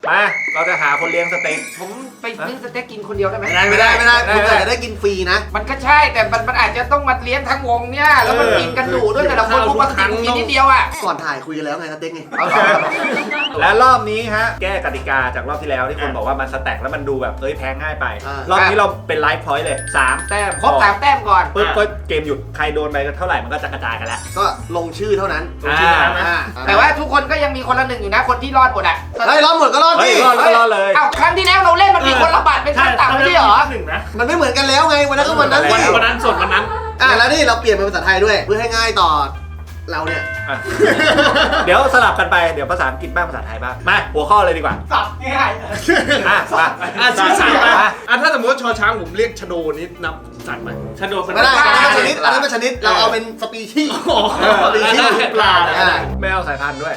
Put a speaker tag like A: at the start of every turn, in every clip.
A: มาเราจะหาคนเลี้ยงสเต็ก
B: ผมไปซื้อสเต็กกินคนเดียวได้ไหม
C: ไม่ได้คุณอาจจะได้กินฟรีนะ
B: มันก็ใช่แต่มันอาจจะต้องมาเลี้ยงทั้งวงเนี่ยแล้วมันกินกันดุด้วยแต่ละคนพวกมันกินนิดเดียวอ่ะ
C: ก่อนถ่ายคุยกันแล้วไงสเต็กไง
A: และรอบนี้ฮะแก้กติกาจากรอบที่แล้วที่คนบอกว่ามันสแต็กแล้วมันดูแบบแพ้ง่ายไปรอบนี้เราเป็นไลฟ์พอยต์เลย3 แต้ม
B: ครบ3 แต้มก่อน
A: ปึ๊บก็เกมหยุดใครโดนไปเท่าไหร่มันก็จะกระจายกันแล้ว
C: ก็ลงชื่อเท่านั้น
B: แต่ว่าทุกคนก็ยังมีคนละ1อยู่นะคนที่รอดหมดอ่ะ
C: เฮ้ยรอดหมดก็รอดดิ
A: รอดเลย
B: อ้าวครั้งที่แล้วเราเล่นมันมีคนละบาทเป็นขั้นต่ำไม่ใช่เหรอ
C: มันไม่เหมือนกันแล้วไงวันนั้นก็วันนั้น
D: สดวันนั้น
C: แล้วนี่เราเปลี่ยนเป็นภาษาไทยด้วยเพื่อให้ง่ายต่อเราเนี่ย
A: เดี๋ยวสลับกันไปเดี๋ยวภาษาอังกฤษบ้างภาษาไทยบ้างมาหัวข้อเลยดีกว่า
B: สับง่าย
D: ชื่อสัตว์ถ้าสมมติชอช้างผมเรียกชโดนี้นับสัตว์ไหมชโด
C: ไม่ได้ชนิดอันนั้นเป็นชนิดเราเอาเป็นสปีชีส์สปีชีส์
D: ปลา
A: ไม่เอาสายพันธุ์ด้วย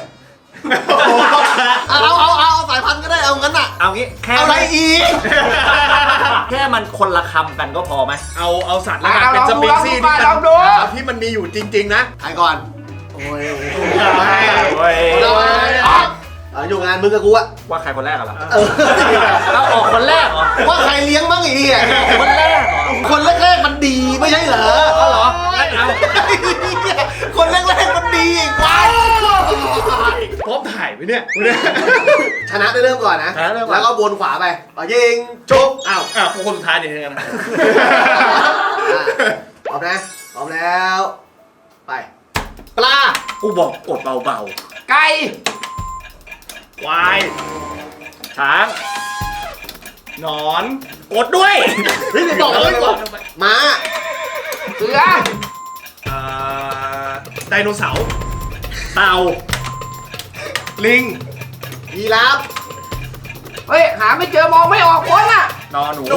C: เอาสายพันธุ์ก็ได้เอางั้นอ่ะ
A: เอางี้แค่
C: อะไรอีก
A: แค่มันคนละคำกันก็พอไหม
D: เอาสัตว์แล้วกันเป็นสปีชีส์ที่มันมีอยู่จริงๆนะ
C: ใครก่อนโอ้ยอยู่งานมึงกับกูอะ
A: ว่าใครคนแรกเหรอเราออกคนแรกเหรอ
C: ว่าใครเลี้ยงบ้างอีก
A: คนแรกเหรอ
C: คนแรกมันดีไม่ใช่เหรอ
A: เหรอ
C: คนแรกมันดีว้าว
D: พร้อมถ่ายไหมเนี่ย
C: ชนะได้เริ่มก่อนนะแล้วก็วนขวาไปยิงชุบ
D: อ้าวคนสุดท้ายเดี๋ยวกันนะ
C: พร้อมนะพร้อมแล้วไปปลา
A: กูบอกกดเบา
B: ๆไก่
D: ควาย
A: ช้าง
D: หนอน
A: กดด้วย
C: ไม่บอกเลยม้า
B: เสือ
D: ไดโนเสาร์
A: เต่า
D: ลิง
C: ยีราฟ
B: เฮ้ยหาไม่เจอมองไม่ออกคนอ่ะ
A: นอนหนู
B: หนู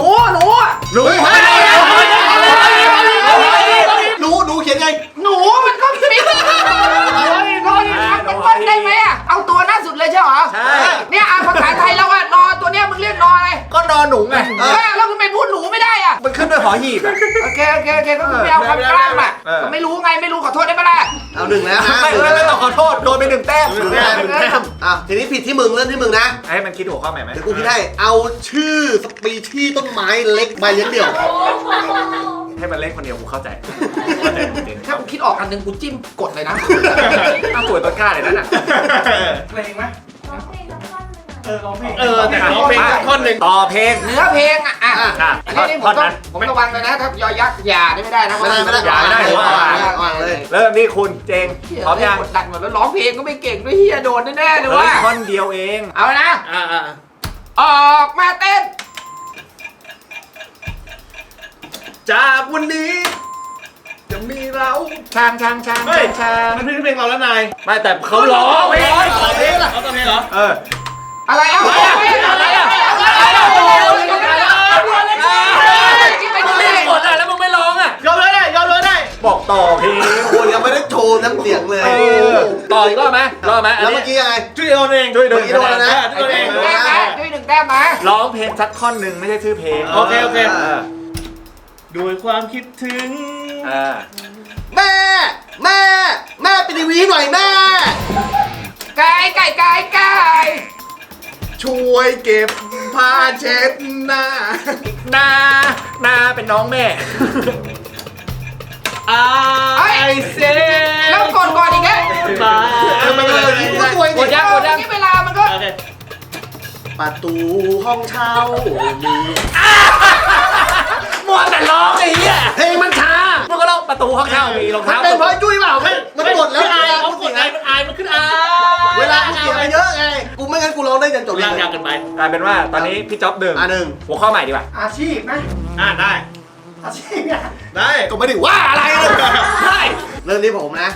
C: เขียนไง
B: หนูมันก็มีนอนเป็นต้นได้ไหมอ่ะเอาตัวหน้าสุดเลยใช่เหรอ
A: ใช่
B: เนี่ยภาษาไทยเราอ่ะนอตัวเนี้ยมึงเรียกนออะไร
A: ก็นอนหนูไง
B: แล้วมึงไปพูดหนูไม่ได้อ่ะ
A: มันขึ้นด้วยหอหีบ
B: โอเคก็คือไม่เอาคำกล้ามอ่ะไม่รู้ไงไม่รู้ขอโทษได้ไหมล่ะ
C: เอา1แล้วนะ
A: ไม่ต้องขอโทษโดนไป1 แต้ม
C: ทีนี้ผิดที่มึงเริ่มที่มึงนะ
A: ให้มันคิดหัวข้อใหม่ไหม
C: เดี๋ยวกูคิดให้เอาชื่อสปีชีส์ต้นไม้เล็กใบเลี้ยงเดี่ยว
A: ให้มันเล็กคนเดียวกูเข้าใจ
B: ถ้ากูคิดออกอันนึงกูจิ้มกดเลยนะ
A: ถ้าสวยต้นกล้าเลยนั่นน่ะ
B: เพลงไหมร้องเพลง
D: แต่ร้องเพลงท่อนหนึ่ง
A: ต่อเพลง
B: เนื้อเพลงอ่ะอันนี้ผมระวังเลยนะถ้ายอยักษ์อย่าไม่ได้นะ
C: ไม่ได้
A: เลยเริ่มนี่คุณเจงพร้อมยัง
B: ดันหมดแล้วร้องเพลงก็ไม่เก่งด้วยเฮียโดนแน่ๆเลยว่า
A: ท่อนเดียวเอง
B: เอานะออกมาเต้น
D: จากวันนี้จะมีเรา
A: ช้าง
D: มันเพลงเราแล้วนาย
A: ไม่แต่เขาร้อง
D: เพลงเหรอเขาตอนเพลงเหรอ
B: อะไร
A: กดแล้วมึงไม่ร้องอ่ะ
D: ยอมเลยได้
A: บอกต่อเพลง
C: คนยังไม่ได้โชว์น้ำเสียงเลย
A: ต่ออีกรอบไหม
C: แล้วเมื่อกี้ยังไง
D: ช่วยโดนเอง
C: ช่วยโดนนะ
B: ช่วย1 แต้มมา
A: ร้องเพลงสักท่อนหนึ่งไม่ใช่ชื่อเพลง
D: โอเคด้วยความคิดถึง
C: แม่ไปทีวีหน่อยแม่
B: ไก่
D: ช่วยเก็บผ้าเช็ดหน้า
A: นาเป็นน้องแม่
D: เซ
B: แล้วก่อนอีกแล้ว
A: กดยัง
B: ที่เวลามันก็
C: ประตูห้องเช่ามี
A: มัวแต่ร้องไอ้เหี้ย
C: เพลงมันช้า
A: มึงก็ร้องประตูห้องเช่ามีรองเท้า
C: เป็นเพราะจุ้ยเปล่ามันกดแล้ว
D: มันขึ้น
C: เวลากูเสียไปเยอะไงกูไม่งั้นกูร้องได้จนจบ
D: ยากกันไป
A: กลายเป็นว่าตอนนี้พี่จ๊อบ1หัวข้อใหม่ดีกว่า
B: อาชีพไหม
D: ได้
B: อาชีพ
C: ได้ก็ไม่ได้ว่าอะไรเลย
A: ได้
C: เริ่มที่ผมนะ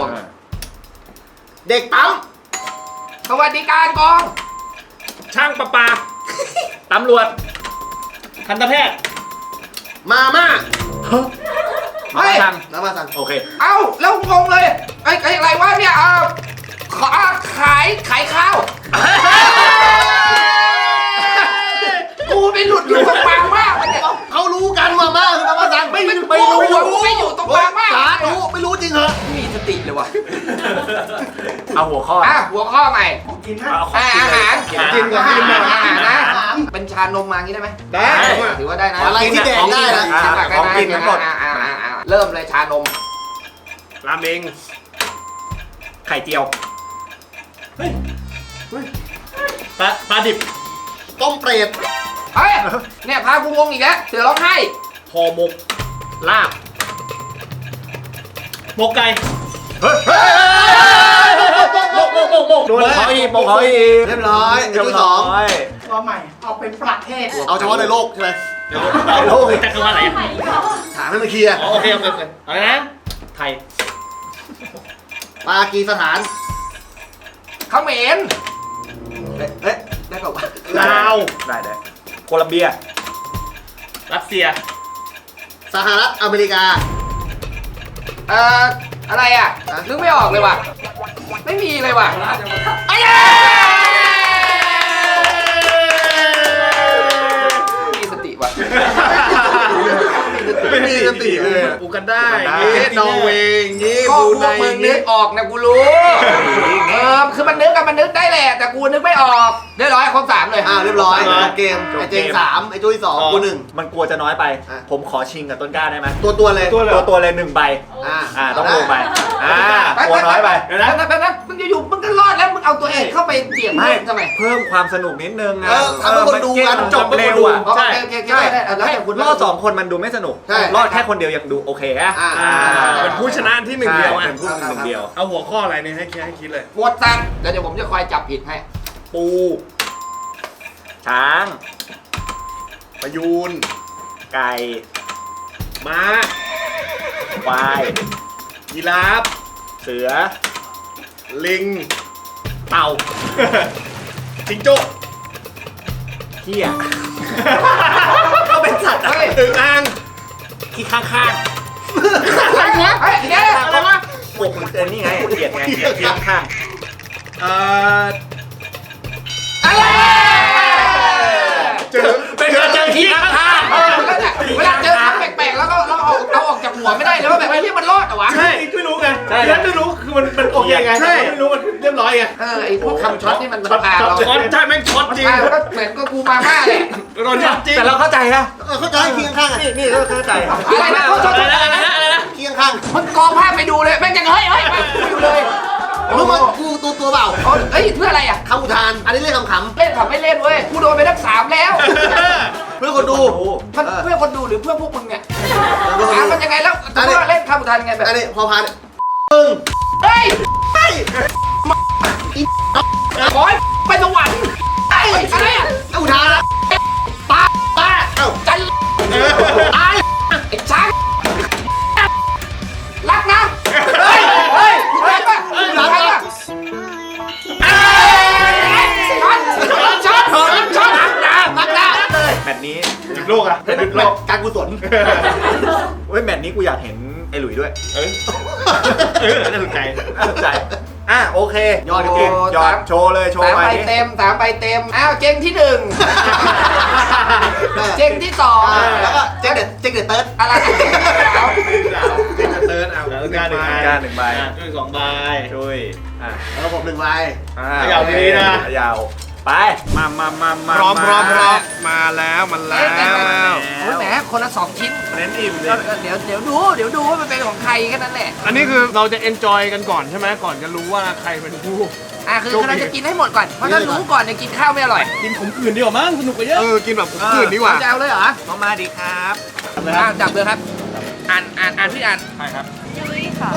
C: เด็กปั๊ม
B: สวัสดิการกอง
D: ช่างประปา
A: ตำรวจ
D: ทันตแพทย์
C: มาม่า
A: น้ำมาสั่งโอเค
B: เอ้าแล้วงงเลยไอ้อะไรวะเนี่ยขายข้าวกูไปหลุดอยู่ตรงปางมากเนี่ย
C: เขารู้กันมาม่าคือน้ำมาสั่ง
B: ไม่อยู่ตรงปางมาก
C: ไม่รู้จริงเหรอ
B: มีสติเลยวะ
A: เอาหัววข้อ
B: หัวข้อใหม่
A: เอาของกิน
B: อา
A: เลย
B: หาร
D: กินก่อน
B: อาหารนะเป็นชานมมางี้ได้ไหม
D: ได้
B: ถือว่าได้นะ
C: อะไรที่แดกได้นะ
A: ของกินทั้งหมด
B: เริ่มเลยชานม
D: ราเมง
A: ไข่เจียว
D: ปลาดิบ
C: ต้มเปรต
B: เฮ้ยเนี่ยพากูงงอีกแล้วเสือร้องไห้
D: ห่อหมกลาบหมกไก่
A: โดนเขาอีกบอกเขาอีก
C: เรียบร้อยไอ้ที่สอง
E: ตัวใหม่ เอาเป็นประเทศ
C: เอาเฉพาะในโลกใช่ไหม
A: โลกอีก
D: จักรวาลอะไร
C: ถามให้มันเคลียร์
D: โอเคอะไรนะไทย
C: ปากีสถาน
B: เขมร
C: เอ๊ะได้เปล่าวะ
D: ลาว
A: ได้โคลัมเบีย
D: รัสเซีย
C: สหรัฐอเมริกา
B: อะไรอ่ะนึกไม่ออกเลยว่ะไม่มีเลยว่ะไอ้มีสติว่ะ
C: ไม่มีสติเลย
D: อูกันได้อย่างงี้นอร์เวย์อย่างงี้
B: ก็
D: บรู
B: พ
D: ไน
B: วกมึง
D: อย่าง
B: นึ
D: งี้
B: กออกนะกูรู้คือมันนึกได้แหละแต่กูนึกไม่ออกเรียบร้อยครบ3เลย
C: เรียบร้อยจบเกมไอ้เจง3ไอ้จุ้ย2กู1
A: มันกลัวจะน้อยไป ผมขอชิงกับต้นกล้าได้ไหม
C: ตัวเลย
A: ตัวเลย1 ใบ ต้องลงไปกลัวน้อยไป
B: นะมึงอยู่มึงก็รอดแล้วมึงเอาตัวเองเข้าไปเสี่ยง
A: ไม่
B: ทำไม
A: เพิ่มความสนุกนิดนึงนะ
C: ทำให้คนดูกัน
A: จบเร็วอ่ะ
B: โอเคได้แล้วแต่คุณ
A: รอด2 คนมันดูไม่สนุก รอดแค่คนเดียวยังดูโอเคอะ
D: เป็นผู้ชนะที่1 เดียวอ่ะ
A: เป็นผู้หนึ่งเดียว
D: เอาหัวข้ออะไรเนี่ยให้คิดเลย
B: หมวดสัตว์แล้วเดี๋ยวผมจะคอยจับผิดให้
A: ปู ช้าง
D: ประยูน
A: ไก่
D: ม้า
A: ควาย
D: ยีราฟ
A: เสือ
D: ลิง
A: เต่า
D: จิงโจ้
A: เหี้ยก็เป็นสัตว์อะ
D: อึ่งอ่าง
A: ที่ข้าง
B: อะไรวะเฮ้ยเดี๋ยวอะไรวะ
A: ๆปกนี่ไงเกียดไงที่ข้าง
B: อะไร
D: เจอ
A: เป็นเจอที่ข้าง
B: เวลาเจอคำแปลกๆแล้วก็เราเอาออกจากหัวไม่ได้เลยว่าแบบไอ้ที่มันรอดเหรอวะ
D: ใช่ไม่รู้ไงแล้วไม่รู้คือมันโอเคไงไม่รู้มันเรียบร้อยไง
B: ไอ้พวกคำช็อตนี่มัน
D: ช็อต
B: พาเรา
D: ใช่แม่งช็อตจริง
B: ก็เหมือนก็กูมาม่าเลย
D: โดนช็อตจริง
A: แต่เราเข้าใจนะ
C: เข้าใจเคียงข้างอ่ะ
A: นี่ก็เข้าใจ
B: อะไรนะเขาช็อตอะไรนะ
C: เคียงข้าง
B: มันกองภาพไปดูเลยแม่งยังเฮ้ยอยู่เลย
C: รู้มั้ยกูตัวเปล่า
B: เฮ้ยเพื่ออะไรอ่ะ
C: คำอุทานอันนี้เรียกคำ
B: เล่นขับไม่เล่นเว้ยกูโดนไปทั้ง3แล้ว
C: เพื่อคนดู
B: มันเพื่อคนดูหรือเพื่อพวกมึงเนี่ย
C: เพื่อคน
B: ถาม
C: ดู
B: มันยังไงแล้วจะว่าเล่นคำอุทานยังไงแบบ
C: อันนี้พอพาน
B: เฮ้ยขอให้ไปสวรรค์ไอ้อะไรอ่ะ
C: อุทานละ
B: ป้าจันตายไอ้ช้างรักนะเฮ้ยรักป่ะรักป่ะช็อตรักนะ
A: แมตช์นี้
D: หยุดโลกอ่ะหยุดโลก
C: การกุศล
A: เว้ยแมตช์นี้กูอยากเห็นไอ้หลุยด้วย
D: น่าสนใจ
A: น่าสนใจโอเค
C: ยอด
A: เก่งยอดโชว์เลยโชว์
B: 3
A: ไป
B: ใบเต็ม3 ใบเต็มอ้าวเจงที่ 1เจงที่2
C: แล้วก็เจ๊เด็ดเติร์ด
B: อะไร
D: จริงเติร์นเอาการหนึ่งใบด้วย2 ใบ
A: ช่วย
C: แล้วผม1ใบ
D: ยาวดีนะ
A: ยาวไปมา
D: พร้อมมาแล้วมันแล้ว
B: โอ้ยแหมคนละ2 ชิ้น
A: เน้นอิ่มเลย
B: เดี๋ยวดูว่ามันเป็นของใครแค่นั้นแหละ
D: อันนี้คือเราจะเอนจอยกันก่อนใช่ไหมก่อนจะรู้ว่าใครเป็นผู้
B: คือเราจะกินให้หมดก่อน เพราะถ้ารู้ก่อนเนี่ยกินข้าวไม่อร่อย
D: กินของอื่นดีกว่ามั้งสนุกกว่าเยอะกินแบบของอื่นดีกว่า
B: จะเอาเลยเหรอ
A: มาดีครับ
B: จับเลยครับ อ่านพี่อ่าน
A: ใช่ครับ
E: ยุ้ยค่ะ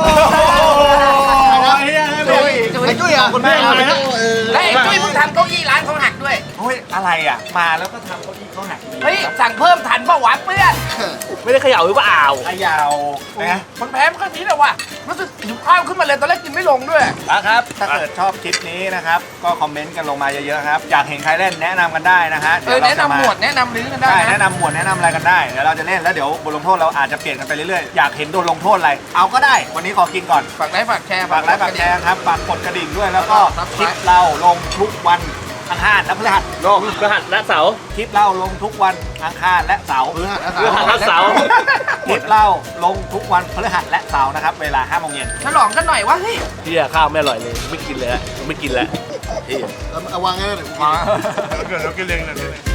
C: ไอ้จุ้ยอ่ะคนแม่อะไรนะ
B: แล้วไอ้จุ้ยมึงทำเก้าอี้ร้านเขาหักด้วย
A: เฮ้ยอะไรอ่ะมาแล้วก็ทำเก้าอี้เขาหัก
B: เฮ้ยสั่งเพิ่มทันป่ะวะเพื่อน
A: ไม่ได้เขย่าหรือเปล่าเขย่านะ
B: มันแพ้มันก็นี้แหละว่ะรู้สึกหิวข้าวขึ้นมาเลยตอนแรกกินไม่ลงด้วย
A: ครับถ้าเกิดชอบคลิปนี้นะครับก็คอมเมนต์กันลงมาเยอะๆครับอยากเห็นใครเล่นแนะนำกันได้นะฮะ
B: แนะนำหมวดแนะนำลิ้นกันได้
A: ใช่
B: นะ
A: แนะนำหมวดแนะนำอะไรกันได้เดี๋ยวเราจะเล่นแล้วเดี๋ยวบทลงโทษเราอาจจะเปลี่ยนกันไปเรื่อยๆอยากเห็นโดนลงโทษอะไรเอาก็ได้วันนี้ขอกินก่อน
B: ฝากไลค์ฝากแชร์
A: ฝากไลค์ฝากแชร์ครับฝากกดกระดิ่งด้วยแล้วก็คลิปเราลงทุกวันอังคารและพฤหัส
D: โลกพฤหัสและเสาร์
A: คลิปเราลงทุกวันอังคารและเสาร์
C: พฤหัส
D: พฤหัสและเสาร์
A: คลิปเราลงทุกวันพฤหัสและเสาร์นะครับเวลา 5 โมงเย็น
B: ฉลองกันหน่อยวะเฮ้ย
D: เฮียข้าวไม่อร่อยเลยไม่กินเลยไม่กินแล้ว
C: เอาวางงั้นเลย
A: มา
D: เกิดเรากินเองเลย